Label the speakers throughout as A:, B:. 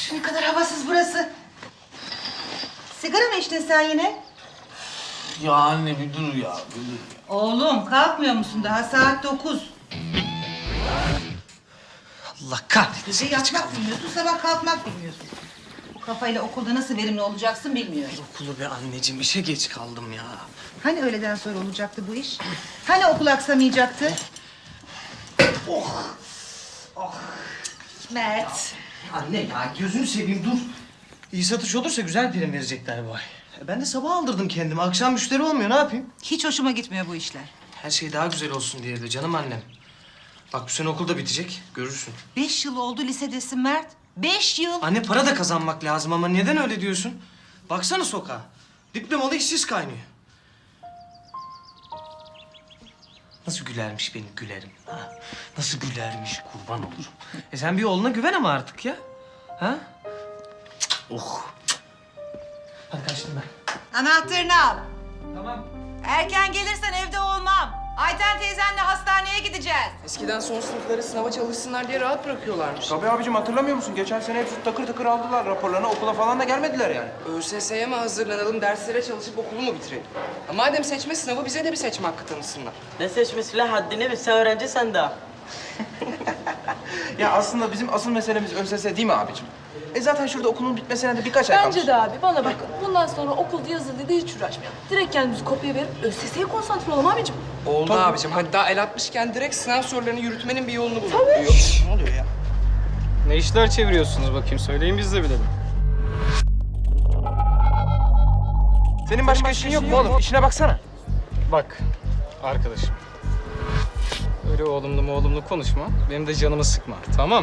A: Ne kadar havasız burası. Sigara mı içtin sen yine?
B: Ya anne bir dur ya, bir dur ya.
A: Oğlum kalkmıyor musun daha saat 9.
B: Allah kahretsin.
A: Gece yatmak bilmiyorsun, sabah kalkmak bilmiyorsun. Bu kafayla okulda nasıl verimli olacaksın bilmiyorum.
B: Okulu be anneciğim, işe geç kaldım ya.
A: Hani öğleden sonra olacaktı bu iş? Hani okul aksamayacaktı? Mert.
B: Anne ya gözünü seveyim dur. İyi satış olursa güzel prim verecekler bu ay. Ben de sabah aldırdım kendimi. Akşam müşteri olmuyor, ne yapayım?
A: Hiç hoşuma gitmiyor bu işler.
B: Her şey daha güzel olsun diye de canım annem. Bak bu sene okul da bitecek, görürsün.
A: 5 yıl oldu lisedesin Mert. 5 yıl.
B: Anne para da kazanmak lazım ama neden öyle diyorsun? Baksana sokağa. Diplomalı işsiz kaynıyor. Nasıl gülermiş benim gülerim. Ha? Nasıl gülermiş kurban olurum. Sen bir oğluna güven ama artık ya. Ha? Cık, oh. Hadi kaçtım ben.
A: Anahtarını al.
B: Tamam.
A: Erken gelirsen evde olmam. Ayten teyzenle hastaneye gideceğiz.
C: Eskiden son sınıfları sınava çalışsınlar diye rahat bırakıyorlarmış.
D: Tabii abicim hatırlamıyor musun? Geçen sene hepsi takır takır aldılar raporlarını. Okula falan da gelmediler yani.
C: ÖSS'ye mi hazırlanalım, derslere çalışıp okulu mu bitirelim? Madem seçme sınavı bize de bir seçme hakkı tanısınlar.
E: Ne seçmesi lan haddini bil, sen öğrencisin daha.
D: Ya aslında bizim asıl meselemiz ÖSS değil mi abicim? Zaten şurada okulun bitmesine de birkaç ay kalmış.
F: Bence de abi. Bana bakın. Bundan sonra okulda yazılı da hiç uğraşmayalım. Direkt kendimizi kopya verip ÖSS'ye konsantre olalım abicim.
C: Oldu abicim. Hadi daha el atmışken direkt sınav sorularını yürütmenin bir yolunu bulalım.
D: Ne oluyor ya?
G: Ne işler çeviriyorsunuz bakayım? Söyleyin biz de bilelim.
D: Senin başka işin yok mu oğlum? İşine baksana.
G: Bak arkadaşım. Öyle oğlumlu konuşma. Benim de canımı sıkma. Tamam.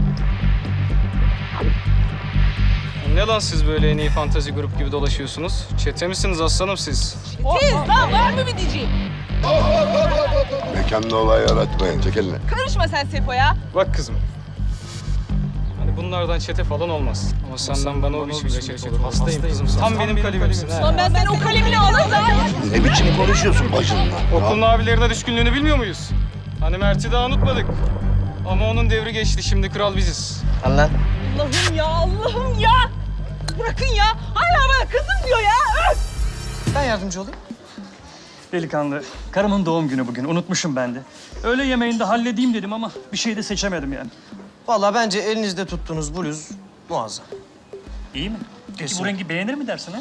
G: Ne lan siz böyle en iyi fantazi grup gibi dolaşıyorsunuz? Çete misiniz aslanım siz?
F: Lan var mı bir diyeceğim?
H: Mekanda olay yaratmayın. Çek eline.
F: Karışma sen Sefo'ya.
G: Bak kızım. Hani bunlardan çete falan olmaz. Ama senden bana o biçimde çete olur. Hastayım kızım. Tam benim kalemimsin ha.
F: Lan ben senin o kalemini alırım.
H: Ne biçim konuşuyorsun bacınla?
G: Okulun abilerine düşkünlüğünü bilmiyor muyuz? Hani Mert'i daha unutmadık. Ama onun devri geçti. Şimdi kral biziz.
B: Al lan.
F: Allah'ım ya, Allah'ım ya. Bırakın ya. Hala bana kızım diyor ya. Öf!
B: Ben yardımcı olayım.
I: Delikanlı, karımın doğum günü bugün. Unutmuşum ben de. Öğle yemeğini de halledeyim dedim ama bir şey de seçemedim yani.
B: Vallahi bence elinizde tuttuğunuz bluz muazzam.
I: İyi mi? Peki
B: Kesin.
I: bu rengi beğenir mi dersin ha?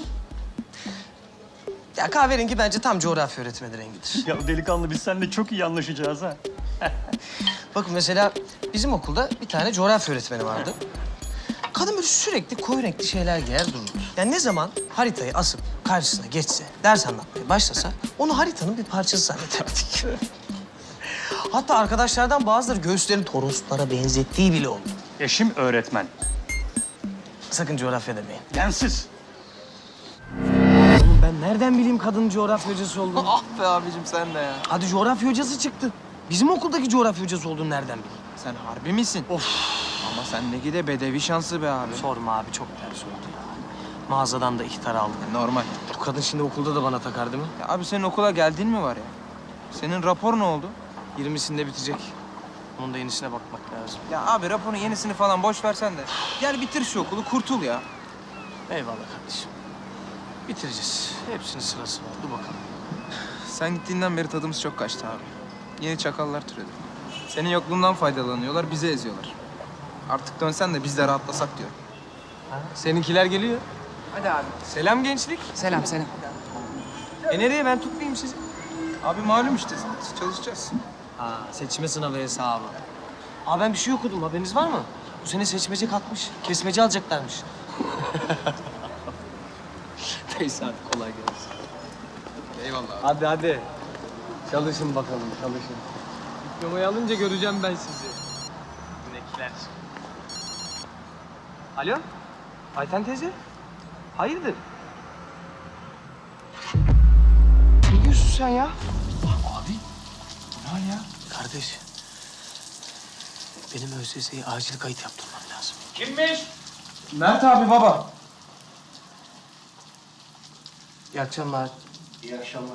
B: Ya kahverengi bence tam coğrafya öğretmeni rengidir.
I: Ya delikanlı biz seninle çok iyi anlaşacağız ha.
B: Bakın mesela bizim okulda bir tane coğrafya öğretmeni vardı. Kadın böyle sürekli koyu renkli şeyler giyer dururdu. Yani ne zaman haritayı asıp karşısına geçse, ders anlatmaya başlasa onu haritanın bir parçası zannederdik. Hatta arkadaşlardan bazıları göğüslerini toroslara benzettiği bile oldu.
I: Eşim öğretmen.
B: Sakın coğrafya demeyin.
I: Densiz.
B: Oğlum ben nereden bileyim kadının coğrafya hocası olduğunu?
D: Ah be abicim sen de ya.
B: Hadi coğrafya hocası çıktı. Bizim okuldaki coğrafya hocası olduğunu nereden bileyim?
D: Sen harbi misin? Of. Ama sendeki de bedevi şansı be abi.
B: Sorma abi çok ters oldu ya. Mağazadan da ihtar aldım.
D: Normal.
B: Bu kadın şimdi okulda da bana takar değil mi?
D: Ya abi senin okula geldiğin mi var ya? Senin rapor ne oldu?
B: 20'sinde bitecek. Onun da yenisine bakmak lazım.
D: Ya abi raporun yenisini falan boş versen de. Gel bitir şu okulu kurtul ya.
B: Eyvallah kardeşim. Bitireceğiz. Hepsinin sırası var. Dur bakalım.
D: Sen gittiğinden beri tadımız çok kaçtı abi. Yeni çakallar türedi. Senin yokluğundan faydalanıyorlar, bizi eziyorlar. Artık dönsen de biz de rahatlasak diyorum. Seninkiler geliyor.
C: Hadi abi.
D: Selam gençlik.
C: Selam, selam.
D: Nereye ben tutmayayım sizi? Abi malum işte çalışacağız.
B: Ha, seçme sınavı hesabı. Abi ben bir şey okudum. Haberiniz var mı? Bu sene seçmece kalkmış. Kesmece alacaklarmış. Neyse hadi kolay gelsin.
D: Eyvallah abi.
B: Hadi hadi. Çalışın bakalım, çalışın.
D: Diplomayı alınca göreceğim ben sizi.
B: Günekler.
D: Alo? Ayten teyze? Hayırdır? Ne diyorsun sen ya? Abi, bu ne hal ya?
B: Kardeş, benim ÖSS'ye acil kayıt yaptırmam lazım.
D: Kimmiş? Mert abi baba.
B: İyi akşamlar.
E: İyi akşamlar.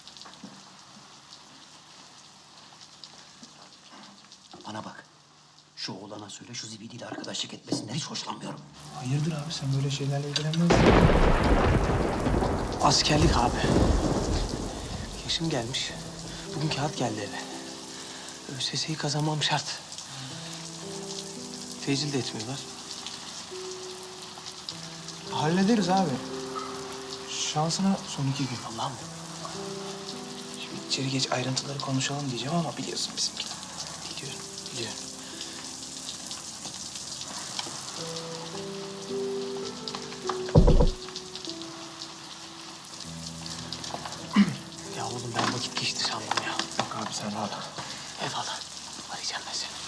B: Bana bak.
E: Şu oğlana söyle şu zibidiyle arkadaşlık etmesinden hiç hoşlanmıyorum.
D: Hayırdır abi sen böyle şeylerle ilgilenmezsin.
B: Askerlik abi. Yaşım gelmiş. Bugün kağıt geldi eve. ÖSS'yi kazanmam şart. Tecil de etmiyorlar.
D: Hallederiz abi. Şansına son 2 gün.
B: Allah'ım.
D: Şimdi içeri geç ayrıntıları konuşalım diyeceğim ama biliyorsun bizimkiler.
B: Biliyorum, biliyorum. Ya oğlum ben vakit geçti sandım ya.
D: Yok abi sen rahat ol.
B: Eyvallah. Arayacağım ben seni.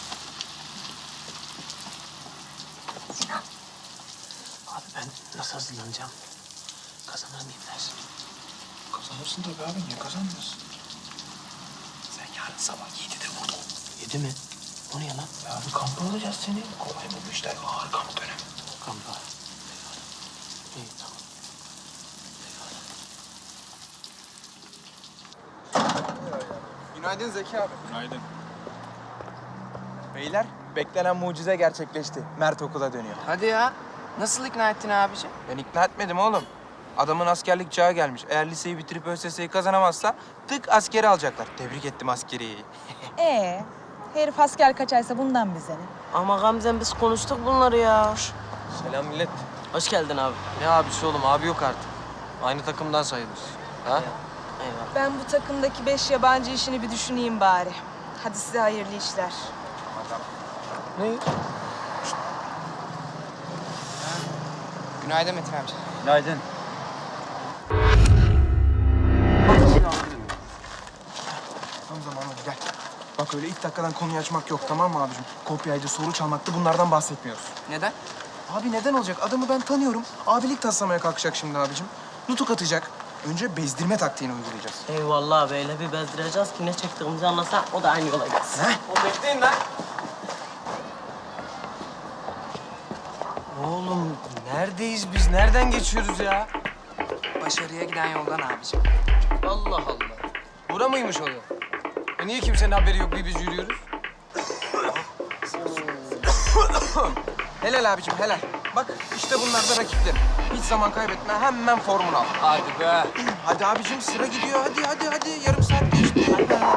B: Sinan. Abi ben nasıl hazırlanacağım? Kazanır mıyım dersin?
D: Kazanırsın tabii abi. Niye kazanmıyorsun? Sen yarın sabah 7'de burada ol.
B: 7 mi? O ne ya lan?
D: Ya abi kampa alacağız seni. Kolay mı bu işler? Ağır kamp dönemi.
B: Kampa. İyi tamam.
D: Günaydın Zeki abi. Günaydın. Beyler, beklenen mucize gerçekleşti. Mert okula dönüyor.
C: Hadi ya. Nasıl ikna ettin abiciğim?
D: Ben ikna etmedim oğlum. Adamın askerlik çağı gelmiş. Eğer liseyi bitirip ÖSS'yi kazanamazsa tık askeri alacaklar. Tebrik ettim askeriyi.
F: Herif asker kaçaysa bundan bize ne?
E: Ama Gamze'm biz konuştuk bunları ya.
B: Selam millet.
E: Hoş geldin abi.
B: Ne abisi oğlum? Abi yok artık. Aynı takımdan sayılır. Ha?
E: Eyvallah.
F: Ben bu takımdaki 5 yabancı işini bir düşüneyim bari. Hadi size hayırlı işler.
B: Ne?
C: Günaydın Metin amca.
I: Günaydın.
D: Tam zamanı gel. Bak öyle ilk dakikadan konuyu açmak yok tamam mı abicim? Kopyaydı, soru çalmaktı bunlardan bahsetmiyoruz.
C: Neden?
D: Abi neden olacak? Adamı ben tanıyorum. Abilik taslamaya kalkacak şimdi abicim. Nutuk atacak. Önce bezdirme taktiğini uygulayacağız.
E: Eyvallah abi öyle bir bezdireceğiz ki ne çektiğimizi anlasa o da aynı yola gelsin.
B: O bekleyin lan. Oğlum neredeyiz biz? Nereden geçiyoruz ya?
C: Başarıya giden yoldan abiciğim.
B: Allah Allah. Bura mıymış o yol? Niye kimsenin haberi yok bir biz yürüyoruz?
D: Helal abicim helal. Bak işte bunlar da rakiplerim. Hiç zaman kaybetme hemen formunu al.
B: Hadi be.
D: Hadi abicim sıra gidiyor. Hadi. Yarım saat geçti.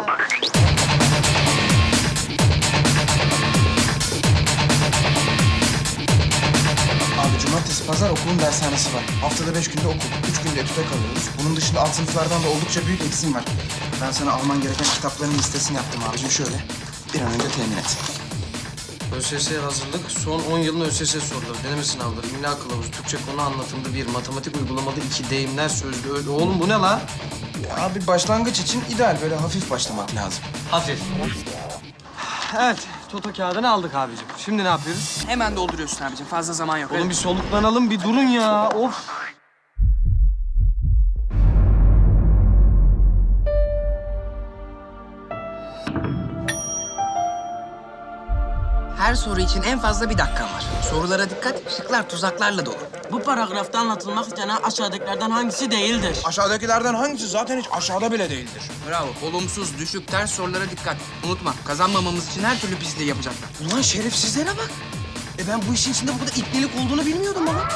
D: Abi cumartesi, pazar okulun dershanesi var. Haftada 5 günde okul. 3 günde etüde kalıyoruz. Bunun dışında alt sınıflardan da oldukça büyük eksiğim var. Ben sana alman gereken kitapların listesini yaptım abicim. Şöyle bir an önce temin et.
B: ÖSS'ye hazırlık, son 10 yılın ÖSS soruları, deneme sınavları, imla kılavuzu, Türkçe konu anlatımda 1, matematik uygulamada 2, deyimler sözlü. Oğlum bu ne lan?
D: Abi başlangıç için ideal. Böyle hafif başlamak lazım.
B: Hafif. Evet, Toto kağıdını aldık abicim. Şimdi ne yapıyoruz?
C: Hemen dolduruyorsun abiciğim. Fazla zaman yok.
B: Oğlum bir soluklanalım, bir durun ya. Of.
C: Her soru için en fazla 1 dakikan var. Sorulara dikkat, şıklar tuzaklarla dolu.
E: Bu paragrafta anlatılmak istenen aşağıdakilerden hangisi değildir?
D: Aşağıdakilerden hangisi zaten hiç aşağıda bile değildir.
C: Bravo. Olumsuz, düşük, ters sorulara dikkat. Unutma, kazanmamamız için her türlü pisliği yapacaklar.
D: Ulan şerefsizlere bak. Ben bu işin içinde bu kadar ipnelik olduğunu bilmiyordum baba.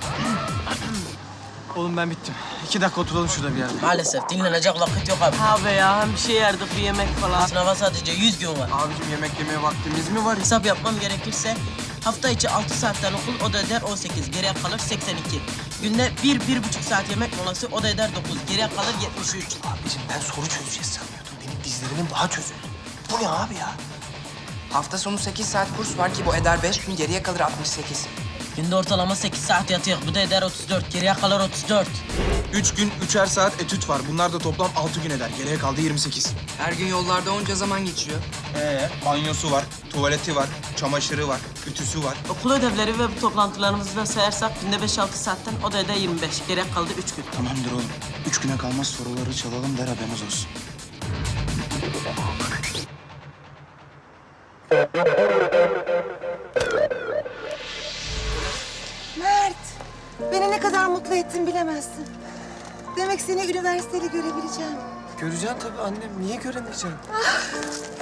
B: Oğlum ben bittim. 2 dakika oturalım şurada bir yerde.
E: Maalesef dinlenecek vakit yok abi. Abi ya hem bir şey yerdik bir yemek falan. Sınava sadece 100 gün var.
D: Abicim yemek yemeye vaktimiz mi var?
E: Hesap yapmam gerekirse hafta içi 6 saatten okul o da eder 18. Geriye kalır 82. Günde 1-1,5 saat yemek molası o da eder 9. Geriye kalır 73.
D: Abicim ben soru çözeceğiz sanıyordum. Benim dizlerimin daha çözüldü. Bu ne abi ya?
C: Hafta sonu 8 saat kurs var ki bu eder 5 gün, geriye kalır 68.
E: Günde ortalama 8 saat yatıyor. Bu da eder 34. Geriye kalır 34.
D: 3 gün 3'er saat etüt var. Bunlar da toplam 6 gün eder. Geriye kaldı 28.
C: Her gün yollarda onca zaman geçiyor.
D: Banyosu var, tuvaleti var, çamaşırı var, ütüsü var.
E: Okul ödevleri ve bu toplantılarımızı da sayarsak günde 5-6 saatten o da eder 25. Geriye kaldı 3 gün.
D: Tamamdır oğlum. 3 güne kalmaz soruları çalalım der haberiniz olsun.
A: Mert, beni ne kadar mutlu ettin bilemezsin. Demek seni üniversiteli görebileceğim.
B: Göreceksin tabii annem. Niye göremeyeceğim?